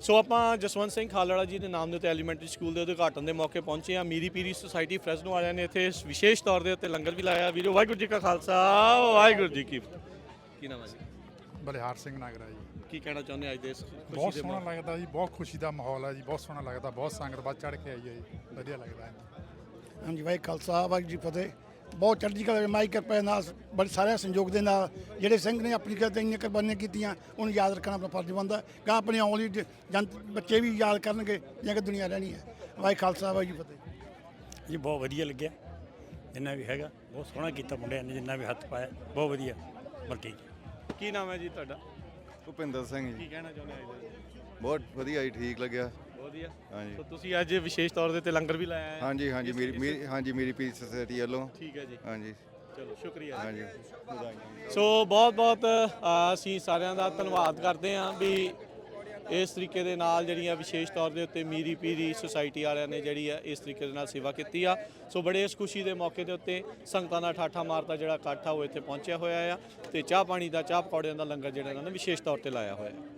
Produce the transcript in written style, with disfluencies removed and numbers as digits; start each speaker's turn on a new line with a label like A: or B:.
A: ਸੋ ਆਪਾਂ ਜਸਵੰਤ ਸਿੰਘ ਖਾਲੜਾ ਜੀ ਦੇ ਨਾਮ ਦੇ ਉੱਤੇ ਐਲੀਮੈਂਟਰੀ ਸਕੂਲ ਦੇ ਉਦਘਾਟਨ ਦੇ ਮੌਕੇ ਪਹੁੰਚੇ ਆ। ਮੀਰੀ ਪੀਰੀ ਸੁਸਾਇਟੀ ਫਰੈਸਨੋ ਵਾਲਿਆਂ ਨੇ ਇੱਥੇ ਵਿਸ਼ੇਸ਼ ਤੌਰ ਦੇ ਉੱਤੇ ਲੰਗਰ ਵੀ ਲਾਇਆ। ਵੀਰੋ ਵਾਹਿਗੁਰੂ ਜੀ ਕਾ ਖਾਲਸਾ ਵਾਹਿਗੁਰੂ ਜੀ ਕੀ ਫਤਿਹ। ਕੀ ਨਾਮ ਹੈ ਜੀ?
B: ਬਲਿਹਾਰ ਸਿੰਘ ਨਾਗਰਾ ਜੀ।
A: ਕੀ ਕਹਿਣਾ ਚਾਹੁੰਦੇ ਅੱਜ ਦੇ ਇਸ
B: ਬਹੁਤ ਸੋਹਣਾ ਲੱਗਦਾ ਜੀ, ਬਹੁਤ ਖੁਸ਼ੀ ਦਾ ਮਾਹੌਲ ਹੈ ਜੀ, ਬਹੁਤ ਸੋਹਣਾ ਲੱਗਦਾ, ਬਹੁਤ ਸੰਗਤ ਵੱਧ ਚੜ੍ਹ ਕੇ ਆਈ ਹੈ ਜੀ, ਵਧੀਆ ਲੱਗਦਾ ਹੈ।
C: ਹਾਂਜੀ ਵਾਹਿਗੁਰੂ ਖਾਲਸਾ ਵਾਹਿਗੁਰੂ ਜੀ ਫਤਿਹ। ਬਹੁਤ ਚੜ੍ਹਦੀ ਕਲਾ ਮਾਈ ਕਿਰਪਾ ਦੇ ਨਾਲ ਬੜੇ ਸਾਰੇ ਸੰਯੋਗ ਦੇ ਨਾਲ ਜਿਹੜੇ ਸਿੰਘ ਨੇ ਆਪਣੀ ਕਿਤੇ ਇੰਨੀਆਂ ਕੁਰਬਾਨੀਆਂ ਕੀਤੀਆਂ ਉਹਨੂੰ ਯਾਦ ਰੱਖਣਾ ਆਪਣਾ ਫਰਜ਼ ਬਣਦਾ। ਗਾਂ ਆਪਣੀ ਆਉਣ ਵਾਲੀ ਬੱਚੇ ਵੀ ਯਾਦ ਕਰਨਗੇ ਜਾਂ ਕਿ ਦੁਨੀਆ ਰਹਿਣੀ ਹੈ। ਵਾਹਿਗੁਰੂ ਖਾਲਸਾ ਵਾਹਿਗੁਰੂ ਜੀ ਫਤਿਹ।
D: ਜੀ ਬਹੁਤ ਵਧੀਆ ਲੱਗਿਆ, ਜਿੰਨਾ ਵੀ ਹੈਗਾ ਬਹੁਤ ਸੋਹਣਾ ਕੀਤਾ ਮੁੰਡਿਆਂ ਨੇ, ਜਿੰਨਾ ਵੀ ਹੱਥ ਪਾਇਆ ਬਹੁਤ ਵਧੀਆ। ਬਾਕੀ
A: ਕੀ ਨਾਮ ਹੈ ਜੀ ਤੁਹਾਡਾ?
E: ਭੁਪਿੰਦਰ ਸਿੰਘ
A: ਕੀ
E: ਜੀ।
A: ਕਹਿਣਾ ਚਾਹੁੰਦੇ ਅੱਜ ਦੇ?
E: ਬਹੁਤ ਵਧੀਆ ਜੀ, ਠੀਕ ਲੱਗਿਆ।
A: ਵਧੀਆ।
E: ਹਾਂਜੀ
A: ਸੋ ਤੁਸੀਂ ਅੱਜ ਵਿਸ਼ੇਸ਼ ਤੌਰ ਦੇ ਉੱਤੇ ਲੰਗਰ ਵੀ ਲਾਇਆ ਹੈ?
E: ਹਾਂਜੀ ਹਾਂਜੀ ਮੇਰੀ ਪੀਸ ਸੋਸਾਇਟੀ ਵੱਲੋਂ।
A: ਠੀਕ ਹੈ ਜੀ,
E: ਹਾਂਜੀ
A: ਚਲੋ ਸ਼ੁਕਰੀਆ।
E: ਹਾਂਜੀ
A: ਸੋ ਬਹੁਤ ਬਹੁਤ ਅਸੀਂ ਸਾਰਿਆਂ ਦਾ ਧੰਨਵਾਦ ਕਰਦੇ ਹਾਂ ਵੀ ਇਸ ਤਰੀਕੇ ਦੇ ਨਾਲ ਜਿਹੜੀਆਂ ਵਿਸ਼ੇਸ਼ ਤੌਰ ਦੇ ਉੱਤੇ ਮੀਰੀ ਪੀਰੀ ਸੁਸਾਇਟੀ ਵਾਲਿਆਂ ਨੇ ਜਿਹੜੀ ਆ ਇਸ ਤਰੀਕੇ ਦੇ ਨਾਲ ਸੇਵਾ ਕੀਤੀ ਆ। ਸੋ ਬੜੇ ਇਸ ਖੁਸ਼ੀ ਦੇ ਮੌਕੇ ਦੇ ਉੱਤੇ ਸੰਗਤਾਂ ਦਾ ਠਾਠਾ ਮਾਰਦਾ ਜਿਹੜਾ ਇਕੱਠ ਆ ਉਹ ਇੱਥੇ ਪਹੁੰਚਿਆ ਹੋਇਆ ਆ ਤੇ ਚਾਹ ਪਾਣੀ ਦਾ ਚਾਹ ਪਕੌੜਿਆਂ ਦਾ ਲੰਗਰ ਜਿਹੜਾ ਇਹਨਾਂ ਨੇ ਵਿਸ਼ੇਸ਼ ਤੌਰ ਤੇ ਲਾਇਆ ਹੋਇਆ ਹੈ।